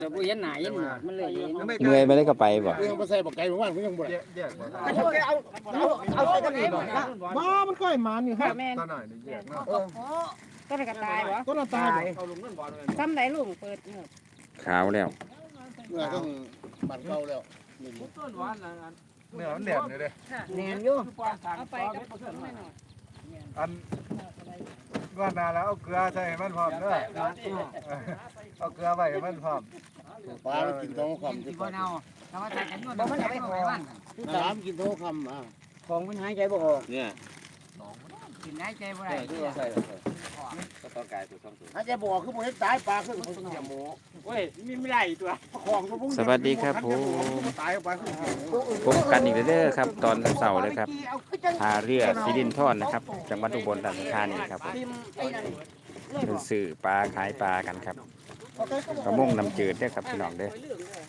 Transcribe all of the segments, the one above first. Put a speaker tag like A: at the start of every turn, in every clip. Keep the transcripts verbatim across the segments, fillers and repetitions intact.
A: แต่ผู้เห็นหน้าเห็นหนวดมันเลยเห็น
B: เมื่อยไปได้ก็ไปบ่
C: ยังมาใส่บักไก่ของมันก็ยังบ่ได้
D: แยกบ่
C: เอาเอาเอาใส่กันนี่บ่บ้ามันก้อยหมานี่ครับ
A: แม่น
D: ตาหน่อยนี่แยกเนาะ
A: ก็ได้กระตายบ่
C: ก็น่าตาย
A: ซ้ำไหนลุงเปิดเงือบ
B: ขาวแล้ว
C: เมื่อต้องบันเก่าแล้ว
D: เนื้อมันแหลมเลยเด้
A: แน่นอยู่เอาไปกับผสมหน่อย
D: อันว่านาแล้วเอาเกลือใส่ให้มันพร้อมเด้อเอาเกลือไว้ให้มันพร้อม
C: ปลากินท้องคำ
A: สิบ่เนาถ้าว่าใส่กันนวดบ่มันเอาไปหอยมัน
C: น้ำกินท้องคำอ่ะ
A: ของมันหายใจบ่ออก
E: เนี่ย
A: กินหายใจบ่ได้
E: ที่เราใส่ก็ต้องกายตัวต้องตัว
C: ถ้าจะบอกคือบ่เห็นตายปลาคือบ่เสียหมู
A: โอ้ยมีไม่ได้ตัว
C: ของตัวพวก
B: สวัสดีครับผม
C: ตายปลาคือเสียหมู
B: พบกันอีกแล้วเด้อครับ ตอนเสาร์เลยครับท่าเรือสิรินธรนะครับจังหวัดอุบลราชธานีครับเป็นสื่อปลาขายปลากันครับกระมงน้ำจืดเด้อครับพี่น้องเด้อ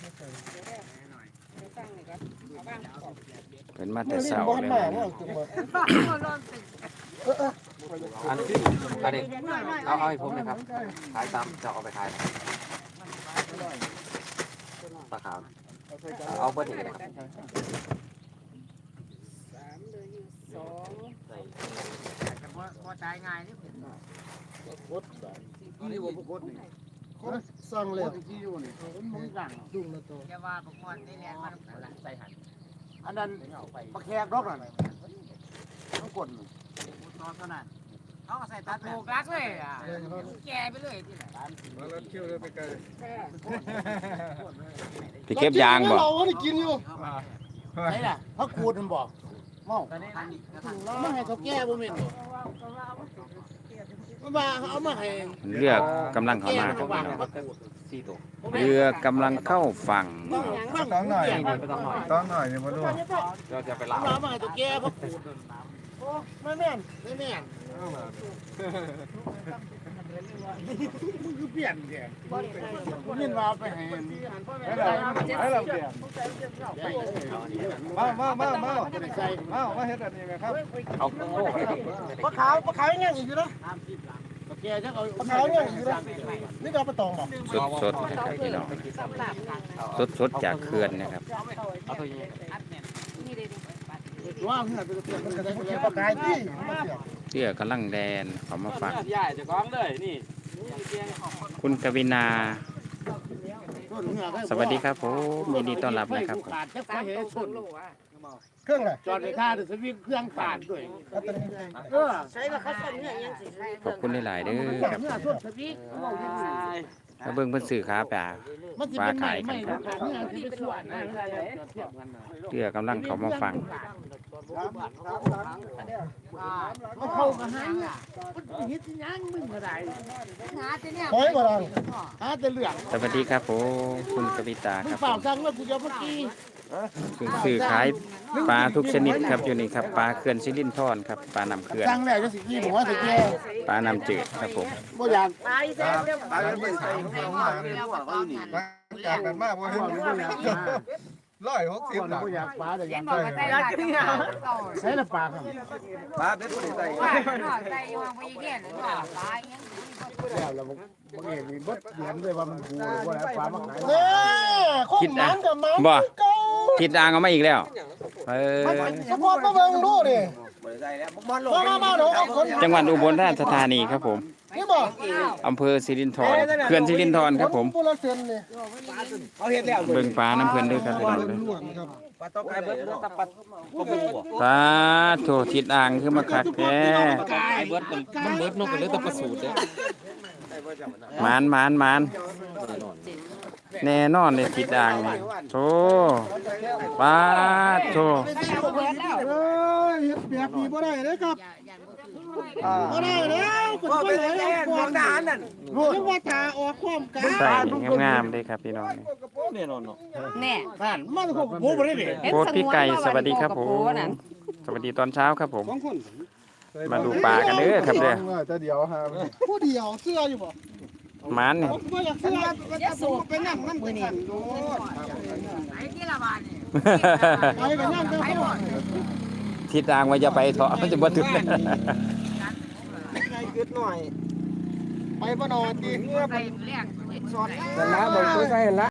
B: เป็นมาแต่เสาร์เลยวันนี้
E: อันนี้อันนี้เอาเอาให้ผมนะครับขายตามจะเอาไปขายปลาขาวเอาเบอร์ที่กันนะครับ
A: สองบ่ตายง่ายนี่
C: กดนี่บ่กดนี่สั่งแล้วที่อยู่นี่มันสั่งดุ้งแล้วตัว
A: อย่าว่าบ่ม่วนได้แลนมันใส่หัน
C: อันนั้นปลาแขกดอกนั่นต้องกด
A: ตอนเท่านั้นเขาก็ใส่ตัดถูกรักเลยอ่ะแก่ไปเลยที่ไหน
D: แล้วเคี่ยวเลยไปไกล
B: ไปเก็บยางบ่
C: เราก็ได้กินอยู่ไหนล่ะเขาขูดมันบอกเมาไม่ให้เขาแก้บ่แม่นมันว่าเอามาให้
B: เรือกำลังเข้ามาครับพี่น้อง
E: สี่ตัว
B: เรือกำลังเข้าฝั่ง
D: ต้องหน่อยต้องหน่อยนี่มาดู
E: เราจะไปล้าง
C: เอามาให้ตัวแก้เขาขูดโอ้ไม่แม่นไม่แม่นมึงคือเปลี่ยนแกมึงยินว่าไปให้ให้เราให้เราเปลี่ยนมามามามามามาเฮ็ดอันนี้ไหมครับ
E: เอาโอ้
C: ปลาขาวปลาขาวยังอยู่นะแกจะเอาปลาขาวยังอยู่นะนี่ก็ปลาตองบอก
B: สดสดๆนะครับพี่น้องสดสดๆจากเขื่อนนะครับ
E: เอาตัวนี้
C: ว่าเพื่อนเป็นเพื่อนมันจะได้เป็นปลาขายที่
B: เรือกำลังแดนเขามาฝั่ง
E: ใหญ่จะก้องเลยนี่
B: คุณกวินา สวัสดีครับผมยินดีต้อนรับนะครับ
C: ขาดจะไปเห็นชนเครื่องอะไรจอดในท่าเดี๋ยวสวิงเครื่องขาดด้วยเออใช้ราคาส่วนเนี่ยยังสิ
B: ขอบคุณหลายๆเด้อครับ
C: เนี่ยส่วนสวิง
B: มาเบิ่งเพิ่นซื้อขาปลา
C: มันจะเป็นใหม่ใหม่ราคาเนี่ยที่เป็นส่วนนะ
B: เรือกำลังเขามาฟัง
C: มันเข้ากันหาเนี่ยมันฮิตยังมึงอะไร
A: หาแต่เนี่ย
C: คอยบ่ล่ะหาแต่เหลือง
B: สวัสดีครับผมคุณกวิตา
C: มึ
B: ค
C: ง
B: รับ
C: เปล่าสั่งแล้วกูจะเมื่อกี้
B: คุณซื้อขายปลาทุกชนิดครับอยู่นี่ครับปลาเขื่อนสิรินธรครับปลาน้ำเขื่อน
C: สั่งแล้วจะสิกี้หัวสิแก่
B: ปลาน้ำจืดครับผม
C: บ่อยาก
A: ตายแซ่บเด้อ
D: ตายแล้วไม่ใส่ข้าวหน้าเลยจากกันมากว่าร้อยหกสิบหลัง
C: บ่อยากปลาแต่อยาก
A: บอกว่าใส่หลายที่เอา
C: ใช้ละปลาครับ
D: ปลาเป็นผู้ใส่
A: ว่าใส่อยู่ห้องไปแก่เลยว่าตายยัง
C: แล้วแล้วบ่บ่เห็นมีเบิดเดือนด้วยว่ามันกูบ่ได้ปลามาขายเด้อ
B: คิดอ่ะบ่คิดอ่างเอามาอีกแล้วเออ
C: สปอร์ตมาเบิ่งดูดิ
E: ใส่แล้วบอลลง
C: มามามาเดี๋ยวเอาคน
B: จังหวัดอุบลราชธานีครับผม
C: นี่บ่
B: อำเภอสิรินธรเขื่อนสิรินธรครับผม
C: ผู้ละเซนนี่
E: เอาเห็ดแล้ว
B: เบิ่งปลาน้ำเพื่อนด้วยครับพี่น้องเลย
E: ปลาต้องกายเบิร์ดตับปัดก็เป็นหัว
B: สาธุทิดอ่างคือมาคักแท้
E: กายเบิร์ดมันเบิร์ดนกเป็นเรื่องต้องประสูติเลย
B: หมานหมานหมานแน่นอนเลยทิดอ่างนี่โธ่ปลาโธ่
C: เอ้ยเฮ็ดแบบนี้บ่ได้เด้อครับบ่ได้แล้วคนบ่ได้แล้วของทหารนั่นรู้ว่าถ้าออกความกา
B: ใส่งามๆเลยครับพี่น้องนี่
E: แน่นอนเนาะ
A: แน่
C: นั่นมันก็บ่บ่ได้เด้
B: โคตรพี่ไก่สวัสดีครับผมสวัสดีตอนเช้าครับผม มาดูปลากันเด้อครับเด้อ
D: จะเดี๋ยวฮะ
C: ผู้เดียวเสื้ออยู่บ่
B: หมานนี่
C: ผมบ่อยากเสื้อจะสูบไปนั่งนำมื้อนี้โดด
A: ไอ้ที่ละบาทนี่
C: ไปกันนั่งไปบ่
B: ทิดอ่างว่าจะไปเถาะมันจะบ่ถึง
C: ไงกึดหน่อย ไปบ่นอนดิ
A: ไปแรกสอน
D: แต่ละบอกตัวใส่ละ